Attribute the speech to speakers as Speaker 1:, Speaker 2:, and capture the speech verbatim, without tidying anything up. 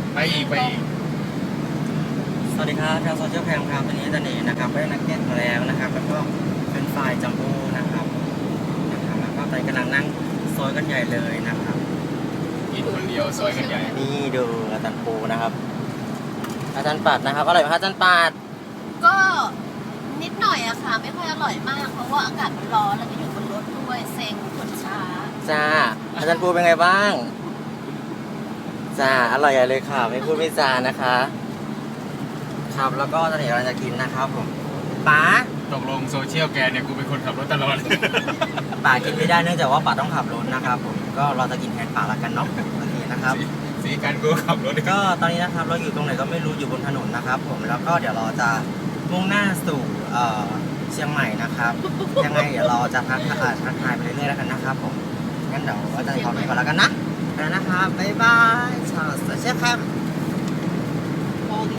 Speaker 1: ไปอีกไปอีก
Speaker 2: สวัสดีครับชาวโซเชียลแคมครับวันนี้ตันเองนะครับได้นักเก็ตมาแล้วนะครับแล้วก็เป็นไฟล์จัมโบ้นะครับนะครับแล้วก็ตอนนกำลังนั่งซอยกันใหญ่เลยนะครับ
Speaker 1: กินคนเดียวซอยกันใหญ่
Speaker 2: นี่ดูอาจารย์ปูนะครับอาจารย์ปัดนะครับอร่อยไหมครับอาจารย์ปัด
Speaker 3: ก็นิดหน่อยอะค่ะไม่ค่อยอร่อยมากเพราะว่าอากาศมันร้อนแล้วก็อยู่บนรถด้วยเซ็งคนช้า
Speaker 2: จ้าอาจารย์ปูเป็นไงบ้างจ้าอร่อยใหญ่เลยค่ะไม่พูดไม่จานะคะครับแล้วก็ตอนนี้เราจะกินนะครับผมป๋า
Speaker 1: ตกลงโซเชียลแกเนี่ยกูเป็นคนขับรถตลอด
Speaker 2: ป๋ากินไม่ได้เนื่องจากว่าป๋าต้องขับรถนะครับผมก็เราจะกินแทนป๋าละกันเนาะโอเคนะครับ
Speaker 1: สีการกูขับรถ
Speaker 2: ก็ตอนนี้นะครับเราอยู่ตรงไหนก็ไม่รู้อยู่บนถนนนะครับผมแล้วก็เดี๋ยวเราจะมุ่งหน้าสู่เชียงใหม่นะครับยังไงเดี๋ยวเราจะทักทายทักทายไปเรื่อยๆแล้วกันนะครับผมงั้นเดี๋ยวเราจะขอไปก่อนแล้วกันนะไปแล้วนะครับบ๊ายบายชาวโซเชียลแคม